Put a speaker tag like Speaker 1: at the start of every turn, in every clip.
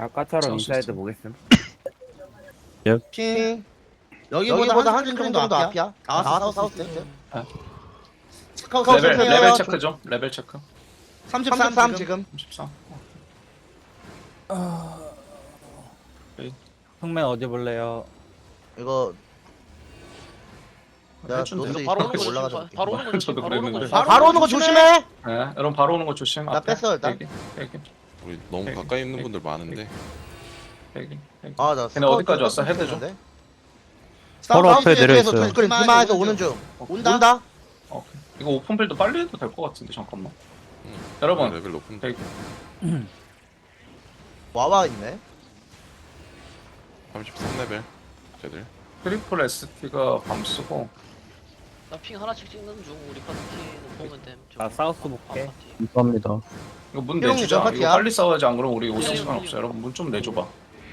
Speaker 1: 아까처럼 인사이드 보겠음.
Speaker 2: 핑. 여기보다 한 줌 정도 앞이야. 나와서 사우스. 스카우트
Speaker 3: 레벨 체크 좀. 레벨 체크.
Speaker 2: 33 지금.
Speaker 3: 34.
Speaker 1: 흑맨 어디 볼래요?
Speaker 2: 이거 내가
Speaker 3: 해준대.
Speaker 2: 노스
Speaker 4: 바로 오는 거
Speaker 2: 올라가자.
Speaker 4: 조심. 바로 오는 거 조심.
Speaker 3: 저도
Speaker 4: 바로 오는 거
Speaker 3: 그랬는데.
Speaker 4: 조심.
Speaker 2: 바로 오는 거 조심해.
Speaker 3: 네, 여러분 바로 오는 거 조심.
Speaker 2: 나 뺐어, 일단.
Speaker 3: 대기.
Speaker 5: 우리 너무
Speaker 3: 백,
Speaker 5: 가까이 있는
Speaker 3: 백,
Speaker 5: 분들 많은데
Speaker 2: 아나
Speaker 3: 걔네 어디까지 왔어? 헤드 좀.
Speaker 6: 바로 앞에 내려있어요.
Speaker 2: 스크린 비마에서 오는 중. 온다.
Speaker 3: 오케이. 이거 오픈빌드 빨리 해도 될 것 같은데 잠깐만.
Speaker 5: 응.
Speaker 3: 여러분
Speaker 5: 레벨 높은
Speaker 3: 대기.
Speaker 2: 와와 있네.
Speaker 5: 33레벨 쟤들
Speaker 3: 트리플 ST가 밤 쓰고
Speaker 4: 나핑 하나씩 찍는 중. 우리 파티는 보면 됨.
Speaker 1: 나 사우스 볼게.
Speaker 6: 감사합니다.
Speaker 3: 이거 문
Speaker 2: 희롱이
Speaker 3: 내주자.
Speaker 2: 몇
Speaker 3: 이거
Speaker 2: 파티야?
Speaker 3: 빨리 싸워야지 안 그러면 우리 오실
Speaker 4: 희롱이
Speaker 3: 시간
Speaker 4: 희롱이.
Speaker 3: 없어. 여러분 문 좀 내줘봐.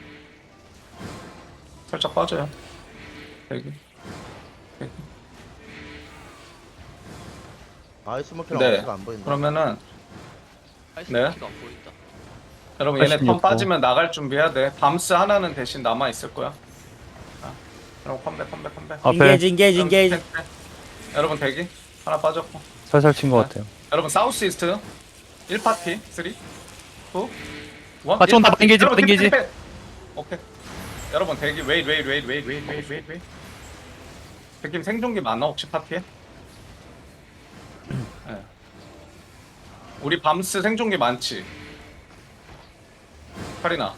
Speaker 3: 살짝 빠져요. 대기. 대기.
Speaker 2: 아이스 머키랑
Speaker 3: 네.
Speaker 2: 어디가 안 보인다.
Speaker 3: 그러면은
Speaker 4: 아이스
Speaker 3: 네.
Speaker 4: 키가 안 보인다.
Speaker 3: 여러분 얘네 턴
Speaker 6: 86 번.
Speaker 3: 빠지면 나갈 준비해야 돼. 밤스 하나는 대신 남아 있을 거야. 자, 여러분 컴백.
Speaker 6: 앞에
Speaker 1: 인게이지.
Speaker 3: 여러분 대기. 하나 빠졌고.
Speaker 6: 살살 친 것 같아요.
Speaker 3: 여러분 사우스 이스트 1파티 3 2 1
Speaker 6: 같이 온다. 땡기지,
Speaker 3: 여러분,
Speaker 6: 땡기지.
Speaker 3: 탭. 오케이. 여러분 대기 웨이 백김 생존기 많아 혹시 파티에? 네. 우리 밤스 생존기 많지? 카리나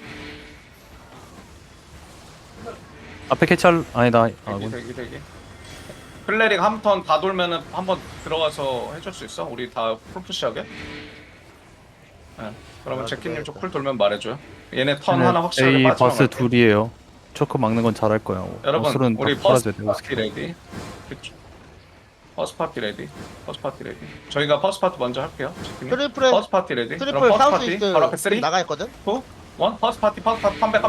Speaker 6: 앞에 캐찰 아니다. 아군.
Speaker 3: 대기 클레릭 한 턴 다 돌면은 한번 들어가서 해줄 수 있어? 우리 다 풀푸시하게? 네. 그러면 제키님 쪽 풀 돌면 말해줘요. 얘네 턴 하나 확실하게
Speaker 6: A
Speaker 3: 빠지면
Speaker 6: 바스
Speaker 3: 갈게.
Speaker 6: 둘이에요. 초크 막는 건 잘할 거야.
Speaker 3: 여러분
Speaker 6: 어술은
Speaker 3: 우리
Speaker 6: 딱
Speaker 3: 퍼스트
Speaker 6: 팔아줘야 돼요.
Speaker 3: 파티 레디. 퍼스트 파티 레디. 저희가 퍼스트 파티 먼저 할게요. 제키님.
Speaker 2: 트리플에
Speaker 3: 퍼스트 파티 레디.
Speaker 2: 트리플
Speaker 3: 그럼 퍼스트
Speaker 2: 사우스
Speaker 3: 파티
Speaker 2: 이스트
Speaker 3: 바로 앞에 3 2
Speaker 2: 나가 있거든.
Speaker 3: 1 퍼스트 파티 컴백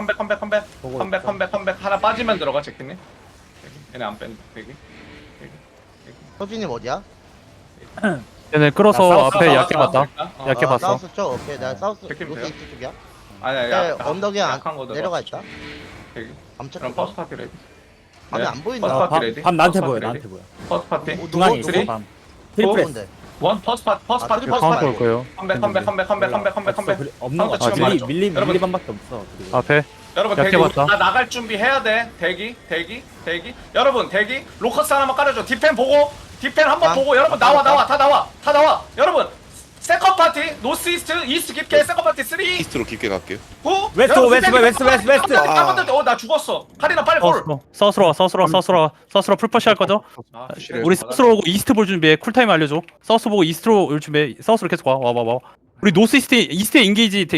Speaker 3: 하나 빠지면 들어가 제키님. 얘네 안 뺀다. 대기.
Speaker 2: 서진님 어디야?
Speaker 6: 얘네 끌어서
Speaker 1: 나 사우스
Speaker 6: 앞에 얕게 봤다.
Speaker 3: 어,
Speaker 6: 얇게 봤어.
Speaker 2: 사우스 쪽. 오케이. 나 사우스
Speaker 3: 백김
Speaker 2: 노스
Speaker 3: 돼요?
Speaker 2: 이스트 쪽이야.
Speaker 3: 아니야.
Speaker 2: 언덕에
Speaker 3: 약한 거
Speaker 2: 내려가
Speaker 3: 들어갔어.
Speaker 2: 있다.
Speaker 3: 대기.
Speaker 2: 암착.
Speaker 3: 그럼 퍼스트 파티 레디.
Speaker 2: 아니 안 보인다.
Speaker 3: 퍼스트 파티 레디.
Speaker 1: 밤 나한테
Speaker 3: 퍼스트
Speaker 1: 보여.
Speaker 3: 파티
Speaker 1: 나한테
Speaker 3: 레디.
Speaker 1: 보여.
Speaker 3: 퍼스트 파티.
Speaker 1: 중앙에
Speaker 3: 쓰리?
Speaker 1: 있어. 밤. 트리플
Speaker 2: 뭔데?
Speaker 3: 원 퍼스트 파티.
Speaker 2: 아,
Speaker 3: 퍼스트
Speaker 2: 트리플
Speaker 3: 파티.
Speaker 6: 카운터 올 거예요.
Speaker 3: 컴백.
Speaker 1: 없는 거
Speaker 3: 카운터
Speaker 1: 같아.
Speaker 3: 치면 말해줘.
Speaker 1: 밀리반밖에 없어. 그리고.
Speaker 6: 앞에
Speaker 3: 여러분
Speaker 6: 얇게
Speaker 3: 대기.
Speaker 6: 봤다.
Speaker 3: 나 나갈 준비해야 돼. 대기. 여러분 대기. 로커스 하나만 깔아줘. 디펜 보고. 디펜 한번
Speaker 2: 아,
Speaker 3: 보고. 여러분 나와. 다 나와. 여러분 세컨 파티. 노스 이스트. 이스트 깊게. 세컨 파티 3 2
Speaker 5: 이스트로 깊게 갈게요.
Speaker 1: 웨스트.
Speaker 3: 나 죽었어. 카리나 빨리 볼.
Speaker 6: 서스로 풀퍼시 할 거죠? 우리 서스로 오고 이스트 볼 준비해. 쿨타임 알려줘. 서스 보고 이스트로 올 준비해. 서스로 계속 와. 우리 노스 이스트에 인게이지